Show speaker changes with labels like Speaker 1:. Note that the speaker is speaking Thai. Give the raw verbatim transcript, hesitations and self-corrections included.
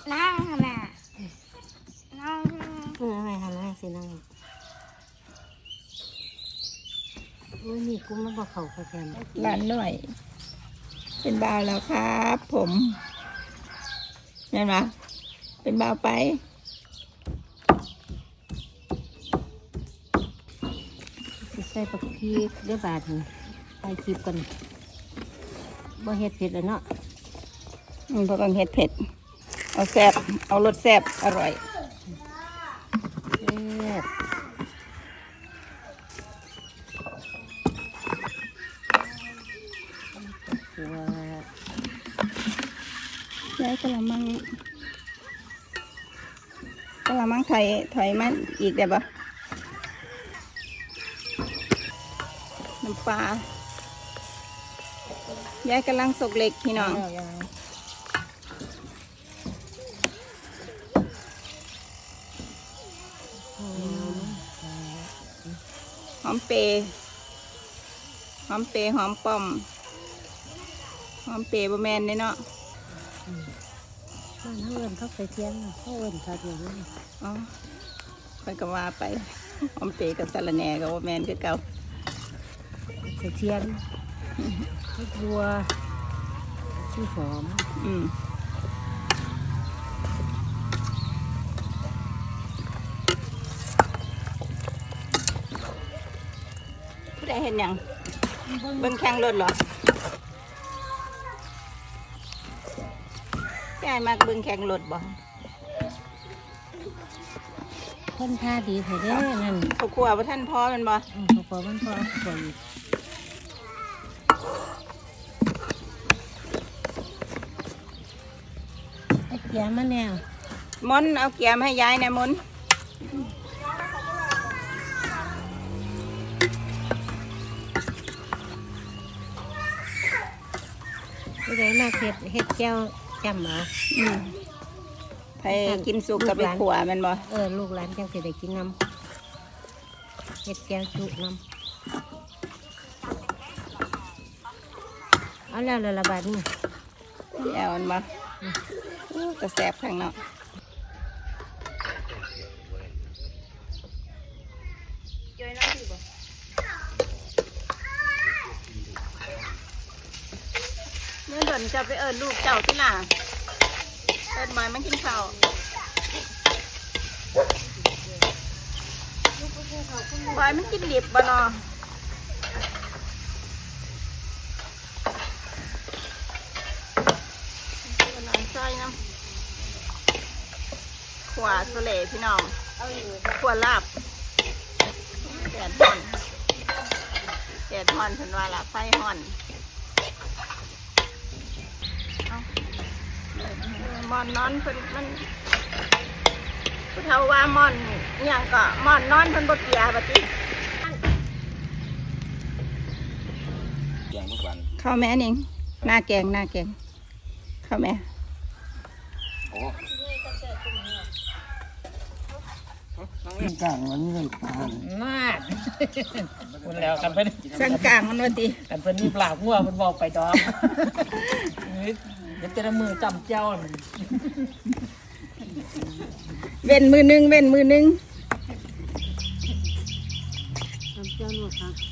Speaker 1: นั่งค่ะแม่นั่ง
Speaker 2: เออไม่ทำนั่งสินั่งโอ้ยนี่กุ้งมันบอกเขาเขาแกน
Speaker 3: หลานหน่อย เป็นบ่าวแล้วครับผมเห็นไหมเป็นบ่าวไป
Speaker 2: ใส่ปักพีกได้บาทนี่ใส่คลิปกันบ่เฮ็ดเผ็ดแล้วเนาะ
Speaker 3: อืมเพราะต้องเฮ็ดเผ็ดเอาแซ่บเอารสแซ่บอร่อย
Speaker 2: แซ่บตัว
Speaker 3: ย้ายกระมังกระมังถอยถอยมันอีกได้ปะน้ำปลาย้ายกำลังสกเล็กพี่น้องหอมเปย์หอมเปย์หอมป้อมหอมเปย์บะแมนเนี่ยเนาะ
Speaker 2: มันเขาเอินเขาไปเทียนเขาเอินเขาเดียวนี่
Speaker 3: อ๋อค่อยก็ว่าไปหอมเปย์กับสะระแหน่กับบะแมนคือเก่า
Speaker 2: ไปเทียนข้าวบัวชื่อหอม
Speaker 3: อืมผู้ใดเห็นยังเบิ่งแข่งรถเหรอยายมากเบิ่งแข่งรถบ่
Speaker 2: เพิ่นท่าดีเถอะเด้อนั่น
Speaker 3: เขาขวบว่าท่านพ่อมันบ่
Speaker 2: เขาขวบมันพ่อขวบอีกไอ้เกียร์มันแนว
Speaker 3: มนเอาเกียร์มาให้ยายหน่อยมน
Speaker 2: ผู้ใดมาเฮ็ดเฮ็ดแก้วจำเอา
Speaker 3: อืมไปกินสุกกับไปขวมันบ่
Speaker 2: เออลูกหลานจังสิได้กินน้ำเฮ็ดแก้วจุน้ำเอาแล้วละละบาทนี่
Speaker 3: แอวมันบ่กระแสบข้างนอกเมื่อเดินจะไปเอิญลูกเจ้าที่น่ะเอิญหมายมันกินข้าวบอยมันกินหลิบบ่เนาะใส่น้ำขวาสเลพี่น้องขวาลาบแดดห่อนแดดห่อนฉันว่าละไฟห่อนมอนนอนเพิ่นมันผู้เฒ่าว่ามอนอย่างก็มอนนอนเพิ่นบ่เกียบัดนี้ข้าวแม่นิ่งหน้าแกงหน้าแกงข้าวแม่โอ้
Speaker 4: กลางมันไม่ตาย
Speaker 2: มาก
Speaker 5: คุณแล้วกันเพิ่น
Speaker 3: สังกลางมันว่าติ
Speaker 5: กันเพิ่นมีปลางัวเพิ่นบอกไปดอกเดี๋ยวจะมือจำเจ้ามัน
Speaker 3: เว้นมือนึงเว้นมือนึง
Speaker 2: ทำเจ้าหนวดครับ